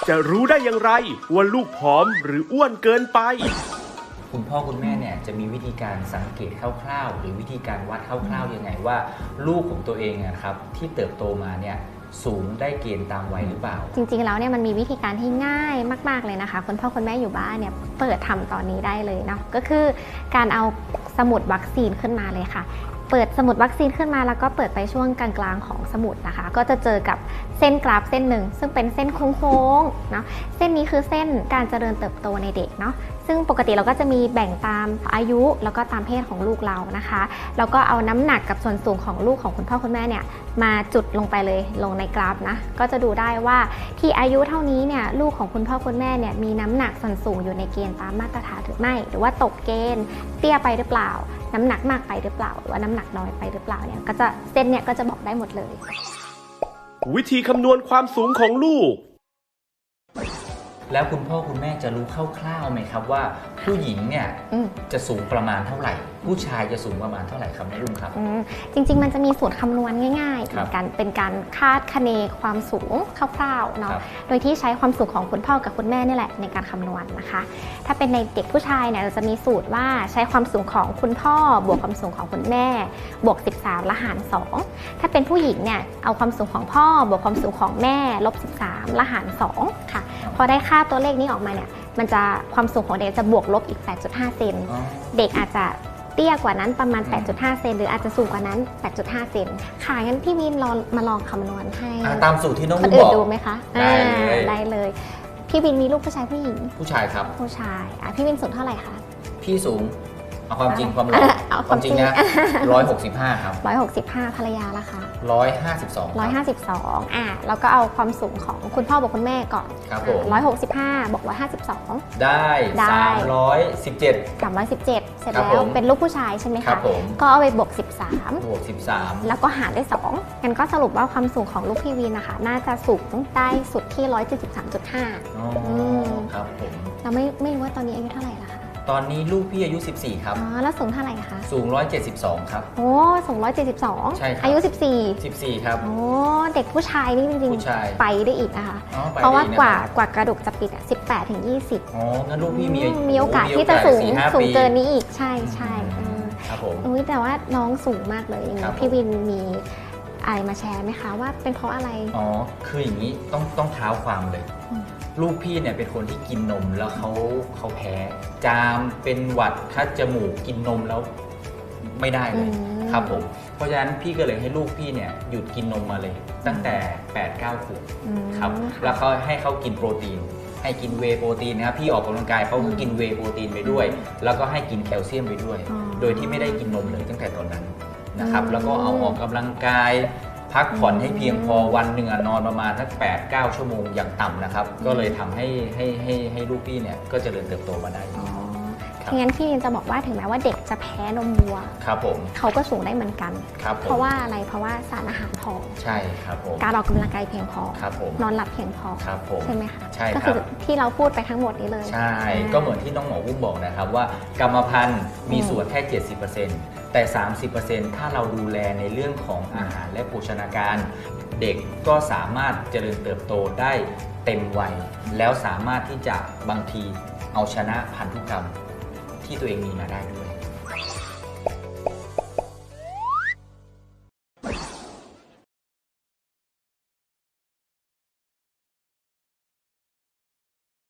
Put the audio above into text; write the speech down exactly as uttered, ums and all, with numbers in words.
จะรู้ได้อย่างไรว่าลูกผอมหรืออ้วนเกินไปคุณพ่อคุณแม่เนี่ยจะมีวิธีการสังเกตคร่าวๆหรือวิธีการวัดคร่าวๆยังไงว่าลูกของตัวเองนะครับที่เติบโตมาเนี่ยสูงได้เกณฑ์ตามวัยหรือเปล่าจริงๆแล้วเนี่ยมันมีวิธีการที่ง่ายมากๆเลยนะคะคุณพ่อคุณแม่อยู่บ้านเนี่ยเปิดทำตอนนี้ได้เลยเนาะก็คือการเอาสมุดวัคซีนขึ้นมาเลยค่ะเปิดสมุดวัคซีนขึ้นมาแล้วก็เปิดไปช่วงกลางๆของสมุดนะคะก็จะเจอกับเส้นกราฟเส้นหนึ่งซึ่งเป็นเส้นโค้งๆเนาะเส้นนี้คือเส้นการเจริญเติบโตในเด็กเนาะซึ่งปกติเราก็จะมีแบ่งตามอายุแล้วก็ตามเพศของลูกเรานะคะแล้วก็เอาน้ำหนักกับส่วนสูงของลูกของคุณพ่อคุณแม่เนี่ยมาจุดลงไปเลยลงในกราฟนะก็จะดูได้ว่าที่อายุเท่านี้เนี่ยลูกของคุณพ่อคุณแม่เนี่ยมีน้ำหนักส่วนสูงอยู่ในเกณฑ์ตามมาตรฐานหรือไม่หรือว่าตกเกณฑ์เตี้ยไปหรือเปล่าน้ำหนักมากไปหรือเปล่าหรือว่าน้ำหนักน้อยไปหรือเปล่าเนี่ยก็จะเส้นเนี่ยก็จะบอกได้หมดเลยวิธีคำนวณความสูงของลูกแล้วคุณพ่อคุณแม่จะรู้คร่าวๆไหมครับว่าผู้หญิงเนี่ยจะสูงประมาณเท่าไหร่ผู้ชายจะสูงประมาณเท่าไหร่ครับแม่ลุงครับจริงๆมันจะมีสูตรคำนวณง่ายๆเหมือนกันเป็นการคาดคะเนความสูงคร่าวๆเนาะโดยที่ใช้ความสูงของคุณพ่อกับคุณแม่นี่แหละในการคำนวณนะคะถ้าเป็นในเด็กผู้ชายเนี่ยเราจะมีสูตรว่าใช้ความสูงของคุณพ่อบวกความสูงของคุณแม่บวกสิบสามแล้วหารสองถ้าเป็นผู้หญิงเนี่ยเอาความสูงของพ่อบวกความสูงของแม่ลบสิบสามแล้วหารสองค่ะพอได้ค่าตัวเลขนี้ออกมาเนี่ยมันจะความสูงของเด็กจะบวกลบอีก แปดจุดห้า เซนเด็กอาจจะเตี้ยกว่านั้นประมาณ แปดจุดห้า เซนหรืออาจจะสูงกว่านั้น แปดจุดห้า เซนค่ะงั้นพี่วินลองมาลองคำนวณให้ตามสูตรที่น้องคนบอกอื่นดูไหมคะได้เลยได้เลยพี่วินมีลูกผู้ชายผู้หญิงผู้ชายครับผู้ชายอ่ะพี่วินสูงเท่าไหร่คะพี่สูงเอาความจริงความหล่อความจริงนะร้อยหกสิบห้าครับร้อยหกสิบห้าภรรยาละคะร้อยห้าสิบสองร้อยห้าสิบสองอ่ะแล้วก็เอาความสูงของคุณพ่อบอกคุณแม่ก่อนครับผมร้อยหกสิบห้าบอกร้อยห้าสิบสองได้สามร้อยสิบเจ็ดสามร้อยสิบเจ็ดเสร็จแล้วเป็นลูกผู้ชายใช่ไหมคะก็เอาไปบวกสิบสามบวกสิบสามแล้วก็หารด้วยสองงั้นก็สรุปว่าความสูงของลูกพี่วินนะคะน่าจะสูงได้สุดที่ร้อยเจ็ดสิบสามจุดห้าอ๋อครับผมเราไม่ไม่รู้ว่าตอนนี้อายุเท่าไหร่ละคะตอนนี้ลูกพี่อายุสิบสี่ครับอ๋อแล้วสูงเท่าไหร่คะสูงหนึ่งร้อยเจ็ดสิบสองครับโอ้สูงหนึ่งร้อยเจ็ดสิบสองใช่ครับอายุสิบสี่สิบสี่ครับโอ้เด็กผู้ชายนี่จริงๆไปได้อีกนะคะเพราะว่ากว่ากว่ากระดูกจะปิดอ่ะสิบแปดถึงยี่สิบอ๋องั้นลูกพี่มีมีโอกาสที่จะสูงสูงเกินนี้อีกใช่ใช่ครับผมอุ้ยแต่ว่าน้องสูงมากเลยอย่างนี้พี่วินมีอะไรมาแชร์ไหมคะว่าเป็นเพราะอะไรอ๋อคืออย่างนี้ต้องต้องเท้าความเลยลูกพี่เนี่ยเป็นคนที่กินนมแล้วเขาเขาแพ้จามเป็นหวัดคัดจมูกกินนมแล้วไม่ได้เลยครับผมเพราะฉะนั้นพี่ก็เลยให้ลูกพี่เนี่ยหยุดกินนมมาเลยตั้งแต่ แปด เก้า ขวบครับแล้วเขาให้เขากินโปรตีนให้กินเวย์โปรตีนนะครับพี่ออกกำลังกายเขาก็กินเวย์โปรตีนไปด้วยแล้วก็ให้กินแคลเซียมไปด้วยโดยที่ไม่ได้กินนมเลยตั้งแต่ตอนนั้นนะครับแล้วก็เอาออกกำลังกายพักผ่อนให้เพียงพอวันหนึ่งนอนประมาณสัก แปด เก้า ชั่วโมงอย่างต่ำนะครับก็เลยทำให้ให้ให้ให้ลูกพี่เนี่ยก็เจริญเติบโตมาได้งั้นพี่จะบอกว่าถึงแม้ว่าเด็กจะแพ้นมวัวครับผมเขาก็สูงได้เหมือนกันเพราะว่าอะไรเพราะว่าสารอาหารพอใช่ครับผมการออกกำลังกายเพียงพอครับผมนอนหลับเพียงพอครับผมใช่ไหมคะใช่ก็คือที่เราพูดไปทั้งหมดนี้เลยใช่ก็เหมือนที่น้องหมออุ้มบอกนะครับว่ากรรมพันธุ์มีส่วนแค่ เจ็ดสิบเปอร์เซ็นต์ แต่ สามสิบเปอร์เซ็นต์ ถ้าเราดูแลในเรื่องของอาหารและโภชนาการเด็กก็สามารถเจริญเติบโตได้เต็มวัยแล้วสามารถที่จะบางทีเอาชนะพันธุกรรมที่ตัวเองมีมาได้ด้วย